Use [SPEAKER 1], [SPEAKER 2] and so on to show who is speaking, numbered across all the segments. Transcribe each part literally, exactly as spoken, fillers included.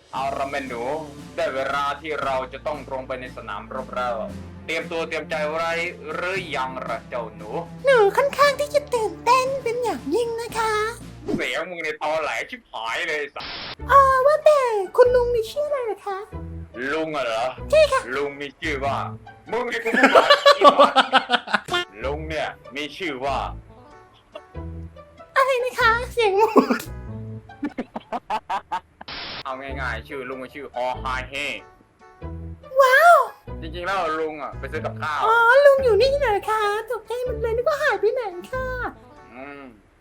[SPEAKER 1] เอาละแม่หนูได้เวลาที่เราจะต้องตรงไปในสนามรบแล้วเตรียมตัวเตรียมใจไว้หรือยังล่ะเจ้าหนู
[SPEAKER 2] หนูค่อนข้างที่จะตื่นเต้นเป็นอย่างยิ่งนะคะ
[SPEAKER 1] เสียงมึงในตอแหลชิบหายเลยสัส
[SPEAKER 2] เออว่าแต่คุณลุงมีชื่ออะไรเหรอคะ
[SPEAKER 1] ลุงอะเหรอ
[SPEAKER 2] ใช่ค่ะ
[SPEAKER 1] ลุงมีชื่อว่ามึงไอ้กูพูดว่าอีหมาลุงเนี่ยมีชื่อว่า
[SPEAKER 2] อะไรนะคะเสียงหมู
[SPEAKER 1] เอาง่ายๆชื่อลุงก็ชื่อฮอไฮเฮ
[SPEAKER 2] ว้าว
[SPEAKER 1] จริงๆแล้วลุงอ่ะไปซื้อกับข้าว
[SPEAKER 2] อ๋อลุงอยู่นี่เหรอคะตกใจหมันเลยนึกว่าหายไปไหนค่ะ
[SPEAKER 1] อืม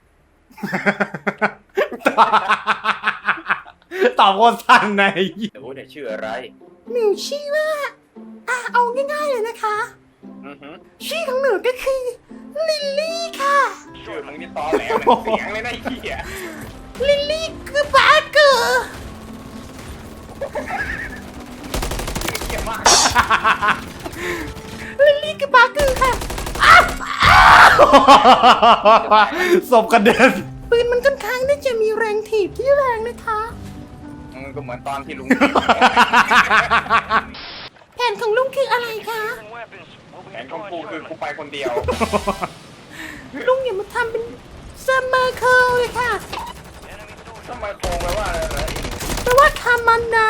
[SPEAKER 3] ตอบคนสั้นใน
[SPEAKER 1] หนูเนี่ยชื่ออะไร
[SPEAKER 2] หนูชื่อว่าอ่ะเอาง่ายๆเลยนะคะ
[SPEAKER 1] อือหือ
[SPEAKER 2] ชื่อของหนูก็คือลิลลี่ค่ะ
[SPEAKER 1] ชื่อมึงนี่ตอแหลเหมือนเสียงเลยนะไอ้เหี้ย
[SPEAKER 2] ลิลลี่คือบาร์เกอร์
[SPEAKER 1] ชื่อเหี้ยมาก
[SPEAKER 2] ลิลลี่คือบาร์เกอร์ค่ะ
[SPEAKER 3] ศพกระเด็น
[SPEAKER 2] ปืนมันค่อนข้างที่จะมีแรงถีบที่แรงนะคะ
[SPEAKER 1] มึงก็เหมือนตอนที่ลุง
[SPEAKER 2] แผนของลุงคืออะไรคะ
[SPEAKER 1] แผนของกูคือกูไปคนเดียว
[SPEAKER 2] ลุงอย่ามาทำเป็นซัมเมอร์เคิลเลยค่ะ
[SPEAKER 1] ทำไมโกงไปว่าอะไรเหรอ
[SPEAKER 2] แปลว่าทำมันนา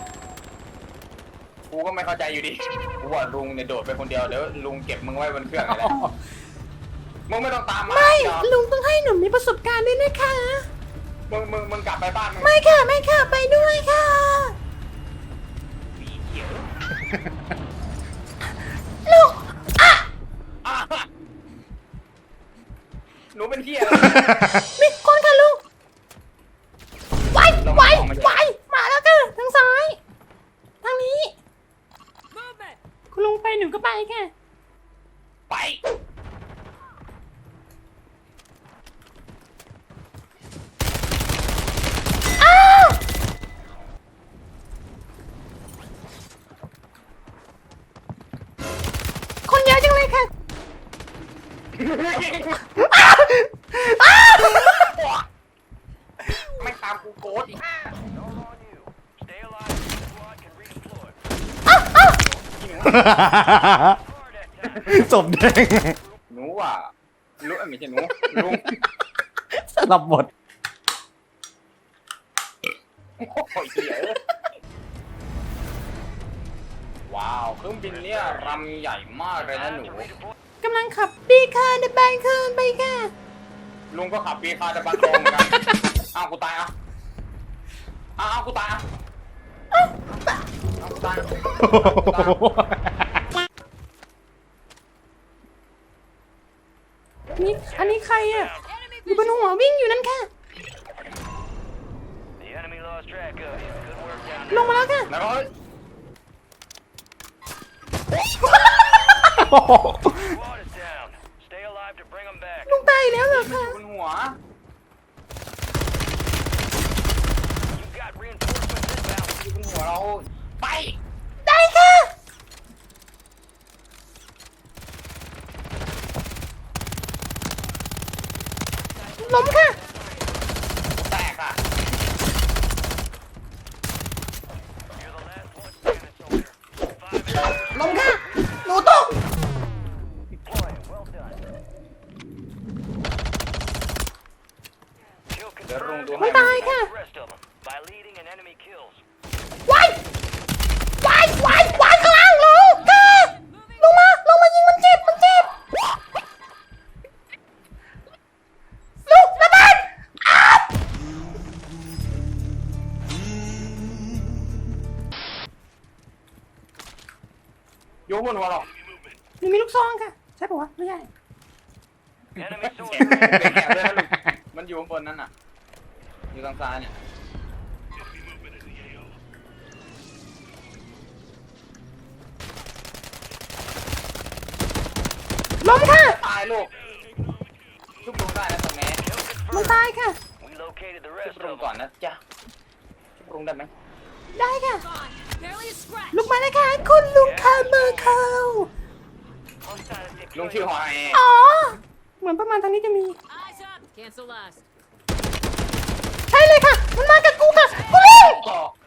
[SPEAKER 1] กูก็ไม่เข้าใจอยู่ดีกูว่าลุงเนี่ยโดดไปคนเดียวเดี๋ยวลุงเก็บมึงไว้บนเครื่องอะไรมึงไม่ต้องตามมา
[SPEAKER 2] ไม่
[SPEAKER 1] หรอก
[SPEAKER 2] ลุงต้องให้หนูมีประสบการณ์ด้วยนะคะ
[SPEAKER 1] มึงมึงมึงกลับไปบ้านมึง
[SPEAKER 2] ไม่ค่ะ ไม่ค่ะ ไปด้วยค่ะ ลูก
[SPEAKER 1] อ่ะหนูเป็นเที่ยอะไร
[SPEAKER 2] มีคนค่ะลุงไวไวไวมาแล้วค่ะทางซ้าย ทางนี้ คุณลุงไปหนูก็ไปค่ะ
[SPEAKER 1] ไป
[SPEAKER 2] อ้าวคนเยอะจังเลยค่ะ
[SPEAKER 1] ไม่ตามกูโกดอีก
[SPEAKER 3] ศพแดง
[SPEAKER 1] หนูอ่ะลุงไม่ใช่หนูลุง
[SPEAKER 3] สลับบท
[SPEAKER 1] โอ้ยเหี้ยว้าวเครื่องบินเนี่ยรำใหญ่มากเลยนะหนู
[SPEAKER 2] กำลังขับปีคาเดบายคืนไปค่ะ
[SPEAKER 1] ลุงก็ขับปีคาร์ดบันโดงเหมือนกันอ้าวกูตายอ่ะอ้าวกูตายอ่ะอ้าวกูตายอ่ะ
[SPEAKER 2] นี่อันนี้ใครอ่ะ อยู่บนหัววิ่งอยู่นั่นค่ะ ลงมาแล้วค่ะ
[SPEAKER 1] แล้วก็
[SPEAKER 2] ลุงตายแล้วเหรอคะ
[SPEAKER 1] บนหัว อยู่บนหัวเราไป
[SPEAKER 2] ได้ค่ะ ล้มค่ะ
[SPEAKER 1] แตกอ่ะ
[SPEAKER 2] ล้มค่ะ หนูตก
[SPEAKER 1] เดี๋ยวลุงดู
[SPEAKER 2] ไม่
[SPEAKER 1] ให้
[SPEAKER 2] ตายค่ะวายวายวายวายข้างล่างลูกค่ะลงมา ลงมายิงมันเจ็บ มันเจ็บ ลูกระเบิดอ้าว
[SPEAKER 1] โยกบนหัวเรา
[SPEAKER 2] หนูมีลูกซองค่ะ ใช่ปะวะ ไม่ใช่
[SPEAKER 1] แอบเลยนะลูกมันอยู่ข้างบนนั้นน่ะ อยู่ทางซ้ายเนี่ย
[SPEAKER 2] ล้มค่ะ
[SPEAKER 1] ตายลูกชุบลุงได้นะตรงนี้
[SPEAKER 2] มันตายค่ะ
[SPEAKER 1] ชุบลุงก่อนนะจ๊ะชุบลุงได้ไหม
[SPEAKER 2] ได้ค่ะ ลุกมาเลยค่ะ คุณลุงคาร์เมอร์เคิล
[SPEAKER 1] ลุงชื่อหอย
[SPEAKER 2] อ๋อ เหมือนประมาณทางนี้จะมี
[SPEAKER 4] Cancel last.
[SPEAKER 2] ใช่เลยค่ะ มันมากับกูค่ะ กูลุง
[SPEAKER 1] ก็